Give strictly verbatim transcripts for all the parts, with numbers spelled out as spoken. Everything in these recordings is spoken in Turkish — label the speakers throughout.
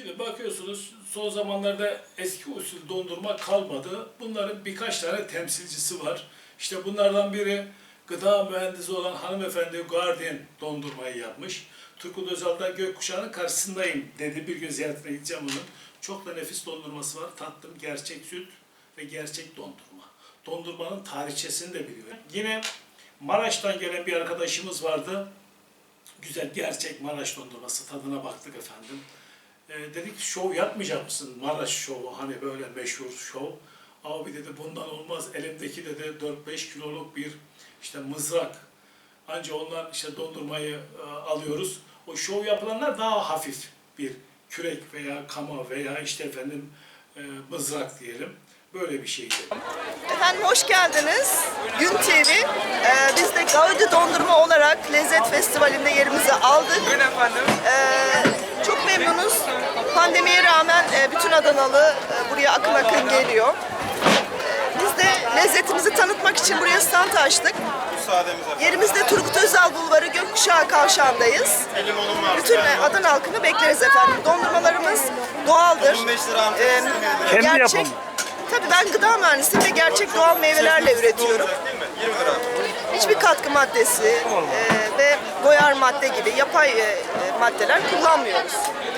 Speaker 1: Şimdi bakıyorsunuz son zamanlarda eski usul dondurma kalmadı. Bunların birkaç tane temsilcisi var. İşte bunlardan biri gıda mühendisi olan hanımefendi Guardian dondurmayı yapmış. Turgut Özal da gökkuşağının karşısındayım dedi. Bir gün ziyaretine gideceğim onun. Çok da nefis dondurması var. Tattım, gerçek süt ve gerçek dondurma. Dondurmanın tarihçesini de biliyor. Yine Maraş'tan gelen bir arkadaşımız vardı. Güzel gerçek Maraş dondurması tadına baktık efendim. E, dedik şov yapmayacak mısın? Maraş şovu hani böyle meşhur şov. Abi dedi bundan olmaz. Elimdeki dedi dört beş kiloluk bir işte mızrak. Anca ondan işte dondurmayı e, alıyoruz. O şov yapılanlar daha hafif bir kürek veya kama veya işte efendim e, mızrak diyelim. Böyle bir şeydi.
Speaker 2: Efendim hoş geldiniz. Gün T V. Ee, biz de Gaudi Dondurma olarak Lezzet Festivali'nde yerimizi aldık.
Speaker 3: Buyurun efendim.
Speaker 2: Ee, çok memnunuz. Pandemiye rağmen e, bütün Adanalı e, buraya akın akın geliyor. Ee, biz de lezzetimizi tanıtmak için buraya stand açtık.
Speaker 3: Müsaademiz efendim.
Speaker 2: Yerimizde Turgut Özal Bulvarı Gökkuşağı Kavşağı'ndayız.
Speaker 3: Limonum var.
Speaker 2: Bütün Adana halkını bekleriz efendim. Dondurmalarımız doğaldır.
Speaker 3: on beş lira amca.
Speaker 2: Ee,
Speaker 4: Kendi
Speaker 2: gerçek,
Speaker 4: yapımı.
Speaker 2: Tabii ben gıda mühendisiyim ve gerçek doğal meyvelerle üretiyorum.
Speaker 3: Değil mi? yirmi lira.
Speaker 2: Hiçbir katkı maddesi e, ve boyar madde gibi yapay e, maddeler kullanmıyoruz.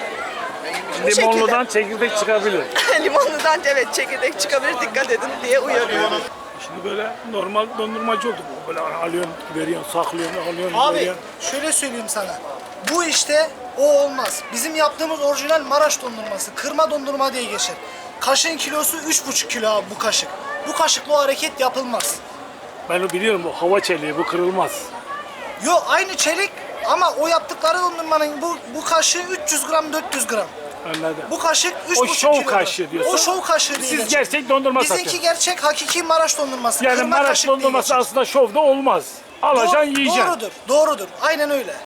Speaker 2: Bu
Speaker 4: Limonludan çekirdek çıkabilir.
Speaker 2: şekilde. Limonludan evet çekirdek çıkabilir, dikkat edin diye uyarıyorum.
Speaker 4: Şimdi böyle normal dondurmacı olduk. Böyle alıyorsun, veriyorsun, saklıyorsun, alıyorsun,
Speaker 5: Abi
Speaker 4: veriyorsun.
Speaker 5: şöyle söyleyeyim sana. Bu işte o olmaz. Bizim yaptığımız orijinal Maraş dondurması. Kırma dondurma diye geçer. Kaşığın kilosu üç buçuk kilo abi bu kaşık. Bu kaşıkla o hareket yapılmaz.
Speaker 4: Ben o biliyorum, bu hava çeliği, bu kırılmaz.
Speaker 5: Yo aynı çelik ama o yaptıkları dondurmanın bu, bu kaşığı üç yüz gram dört yüz gram.
Speaker 4: Anladım.
Speaker 5: Bu kaşık üç
Speaker 4: O
Speaker 5: buçuk
Speaker 4: şov
Speaker 5: kilo.
Speaker 4: kaşığı diyorsun.
Speaker 5: O şov kaşığı değil.
Speaker 4: Siz gerçek dondurma
Speaker 5: Bizimki
Speaker 4: satıyorsunuz.
Speaker 5: gerçek hakiki Maraş dondurması.
Speaker 4: Yani
Speaker 5: Kırma
Speaker 4: Maraş
Speaker 5: kaşık diye
Speaker 4: dondurması
Speaker 5: geçer.
Speaker 4: aslında şovda olmaz. Alacaksın,
Speaker 5: Doğ-
Speaker 4: yiyeceksin.
Speaker 5: Doğrudur, doğrudur. Aynen öyle.